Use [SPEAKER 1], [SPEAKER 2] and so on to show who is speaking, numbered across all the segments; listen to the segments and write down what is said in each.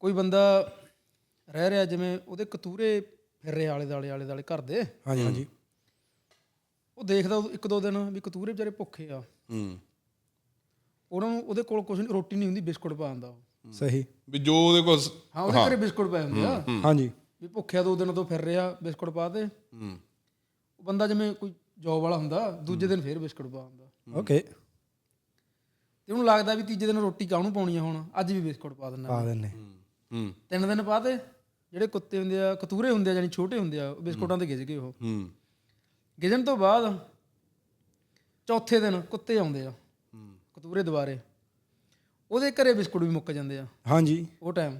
[SPEAKER 1] ਕੋਈ ਬੰਦਾ ਰਹਿ ਰਿਹਾ, ਜਿਵੇਂ ਉਹਦੇ ਕਤੂਰੇ ਫਿਰ ਰਹੇ ਆਲੇ ਦੁਆਲੇ ਘਰ ਦੇ।
[SPEAKER 2] ਹਾਂਜੀ ਹਾਂਜੀ।
[SPEAKER 1] ਉਹ ਦੇਖਦਾ ਇੱਕ ਦੋ ਦਿਨ ਵੀ ਕਤੂਰੇ ਵਿਚਾਰੇ ਭੁੱਖੇ ਆ, ਉਹਨਾਂ ਨੂੰ ਉਹਦੇ ਕੋਲ ਕੁਛ ਰੋਟੀ ਨਹੀਂ ਹੁੰਦੀ, ਬਿਸਕੁਟ ਪਾ ਦਿੰਦਾ ਉਹ।
[SPEAKER 2] ਸਹੀ।
[SPEAKER 3] ਵੀ ਜੋ ਉਹਦੇ ਕੋਲ
[SPEAKER 1] ਹਾਂ, ਉਹਦੇ ਘਰੇ ਬਿਸਕੁਟ ਪਏ ਹੁੰਦੇ ਆ।
[SPEAKER 2] ਹਾਂਜੀ।
[SPEAKER 1] ਵੀ ਭੁੱਖਿਆ 2 ਦਿਨ ਤੋਂ ਫਿਰ ਰਿਹਾ, ਬਿਸਕੁਟ ਪਾ ਦੇ। ਉਹ ਬੰਦਾ ਜਿਵੇਂ ਕੋਈ ਜੋਬ ਵਾਲਾ ਹੁੰਦਾ, ਦੂਜੇ ਦਿਨ ਫਿਰ ਬਿਸਕੁਟ ਪਾ ਦਿੰਦਾ।
[SPEAKER 2] ਓਕੇ।
[SPEAKER 1] ਤੇ ਉਹਨੂੰ ਲੱਗਦਾ ਵੀ ਤੀਜੇ ਦਿਨ ਰੋਟੀ ਕਾਹਨੂੰ ਪਾਉਣੀ ਆ, ਹੁਣ ਅੱਜ ਵੀ ਬਿਸਕੁਟ ਪਾ ਦਿੰਦਾ।
[SPEAKER 2] ਪਾ ਦਿੰਦੇ।
[SPEAKER 1] 3 ਦਿਨ ਪਾ ਦੇ। ਜਿਹੜੇ ਕੁੱਤੇ ਹੁੰਦੇ ਆ, ਕਤੂਰੇ ਹੁੰਦੇ ਆ, ਜਾਨੀ ਛੋਟੇ ਹੁੰਦੇ ਆ, ਬਿਸਕੁਟਾਂ ਤੇ ਗਿੱਝ ਗਏ। ਉਹ ਗਿੱਝਣ ਤੋਂ ਬਾਅਦ ਚੌਥੇ ਦਿਨ ਕੁੱਤੇ ਆਉਂਦੇ ਆ, ਕਤੂਰੇ ਦੁਬਾਰੇ, ਉਹਦੇ ਘਰੇ ਬਿਸਕੁਟ ਵੀ ਮੁੱਕ ਜਾਂਦੇ ਆ।
[SPEAKER 2] ਹਾਂਜੀ।
[SPEAKER 1] ਉਹ ਟਾਈਮ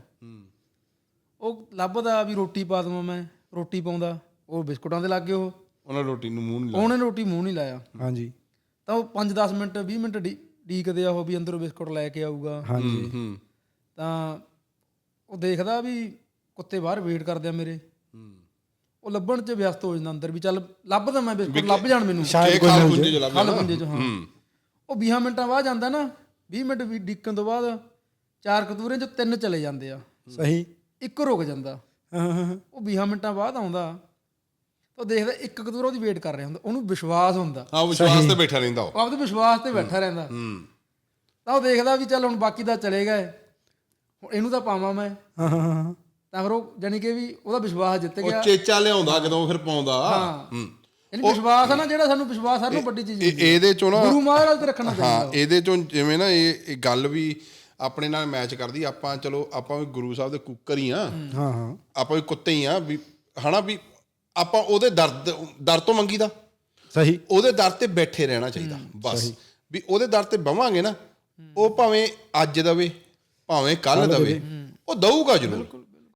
[SPEAKER 1] ਉਹ ਲੱਭਦਾ ਵੀ ਰੋਟੀ ਪਾ ਦੇਵਾਂ ਮੈਂ, ਰੋਟੀ ਪਾਉਂਦਾ, ਉਹ ਬਿਸਕੁਟਾਂ ਦੇ ਲੱਗ ਗਏ।
[SPEAKER 3] ਉਹਨੇ ਰੋਟੀ ਨੂੰ ਮੂੰਹ ਨਹੀਂ ਲਾਇਆ।
[SPEAKER 1] ਉਹਨੇ ਰੋਟੀ ਮੂੰਹ ਨਹੀਂ ਲਾਇਆ।
[SPEAKER 2] ਹਾਂਜੀ।
[SPEAKER 1] ਤਾਂ ਉਹ 5-10 ਮਿੰਟ 20 ਮਿੰਟ ਡੀਕਦੇ ਆ ਉਹ ਵੀ ਅੰਦਰੋਂ ਬਿਸਕੁਟ ਲੈ ਕੇ ਆਊਗਾ।
[SPEAKER 2] ਹਾਂਜੀ।
[SPEAKER 1] ਤਾਂ ਉਹ ਦੇਖਦਾ ਵੀ ਕੁੱਤੇ ਬਾਹਰ ਵੇਟ ਕਰਦੇ ਆ ਮੇਰੇ, ਉਹ ਲੱਭਣ 'ਚ ਵਿਅਸਤ ਹੋ ਜਾਂਦਾ ਅੰਦਰ ਵੀ ਚੱਲ ਲੱਭਦਾ ਮੈਂ ਬਿਸਕੁਟ, ਲੱਭ ਜਾਣ ਮੈਨੂੰ
[SPEAKER 2] ਸ਼ਾਇਦ
[SPEAKER 3] ਖਾਲ ਪੁੰਜੇ ਚ ਲੱਭ
[SPEAKER 1] ਖੱਲ ਪੁੰਜੇ 'ਚ। ਹਾਂ, ਉਹ 20 ਮਿੰਟਾਂ ਬਾਅਦ ਜਾਂਦਾ ਨਾ, 20 ਮਿੰਟ ਵੀ ਡੀਕਣ ਤੋਂ ਬਾਅਦ 4 ਕਤੂਰੇ 'ਚ 3 ਚਲੇ ਜਾਂਦੇ ਆ।
[SPEAKER 2] ਸਹੀ।
[SPEAKER 1] ਇੱਕ ਰੁਕ ਜਾਂਦਾ। ਉਹ 20 ਮਿੰਟਾਂ ਬਾਅਦ ਆਉਂਦਾ ਤਾਂ ਦੇਖਦਾ ਇੱਕ ਕਤੂਰਾ ਉਹਦੀ ਵੇਟ ਕਰ ਰਿਹਾ ਹੁੰਦਾ, ਉਹਨੂੰ ਵਿਸ਼ਵਾਸ ਹੁੰਦਾ।
[SPEAKER 3] ਹਾਂ, ਵਿਸ਼ਵਾਸ ਤੇ ਬੈਠਾ ਰਹਿੰਦਾ ਉਹ।
[SPEAKER 1] ਉਹ ਆਪਦੇ ਵਿਸ਼ਵਾਸ ਤੇ ਬੈਠਾ ਰਹਿੰਦਾ। ਤਾਂ ਉਹ ਦੇਖਦਾ ਵੀ ਚੱਲ ਹੁਣ ਬਾਕੀ ਦਾ ਚਲੇ ਗਏ, ਹੁਣ ਇਹਨੂੰ ਤਾਂ ਪਾਵਾਂ ਮੈਂ। ਤਾਂ ਫਿਰ ਉਹ ਜਾਨੀ ਕਿ ਵੀ ਉਹਦਾ ਵਿਸ਼ਵਾਸ ਜਿੱਤ ਗਿਆ।
[SPEAKER 3] ਉਹ ਚੇਚਾ ਲਿਆਉਂਦਾ ਜਦੋਂ ਫਿਰ ਪਾਉਂਦਾ।
[SPEAKER 1] ਯਾਨੀ ਵਿਸ਼ਵਾਸ ਆ ਨਾ ਜਿਹੜਾ, ਸਾਨੂੰ ਵਿਸ਼ਵਾਸ ਸਾਰਿਆਂ ਨੂੰ ਵੱਡੀ ਚੀਜ਼
[SPEAKER 3] ਇਹਦੇ ਚੋਂ ਨਾ
[SPEAKER 1] ਗੁਰੂ ਮਹਾਰਾਜ ਤੇ ਰੱਖਣਾ ਚਾਹੀਦਾ।
[SPEAKER 3] ਹਾਂ, ਇਹਦੇ ਚੋਂ ਜਿਵੇਂ ਨਾ ਇਹ ਗੱਲ ਵੀ ਆਪਣੇ ਨਾਲ ਮੈਚ ਕਰਦੀ। ਆਪਾਂ ਚਲੋ ਆਪਾਂ ਵੀ ਗੁਰੂ ਸਾਹਿਬ ਦੇ ਕੁੱਕਰ ਹੀ ਆ,
[SPEAKER 2] ਹਾਂ।
[SPEAKER 3] ਆਪਾਂ ਵੀ ਕੁੱਤੇ ਹੀ ਆ ਵੀ, ਹਨਾ ਵੀ ਆਪਾਂ ਉਹਦੇ ਦਰ ਤੋਂ ਮੰਗੀ ਦਾ।
[SPEAKER 2] ਸਹੀ।
[SPEAKER 3] ਉਹਦੇ ਦਰ ਤੇ ਬੈਠੇ ਰਹਿਣਾ ਚਾਹੀਦਾ ਬਸ। ਵੀ ਉਹਦੇ ਦਰ ਤੇ ਬਵਾਂਗੇ ਨਾ, ਉਹ ਭਾਵੇਂ ਅੱਜ ਦਵੇ ਭਾਵੇਂ ਕੱਲ ਦਵੇ, ਉਹ ਦਊਗਾ ਜ਼ਰੂਰ।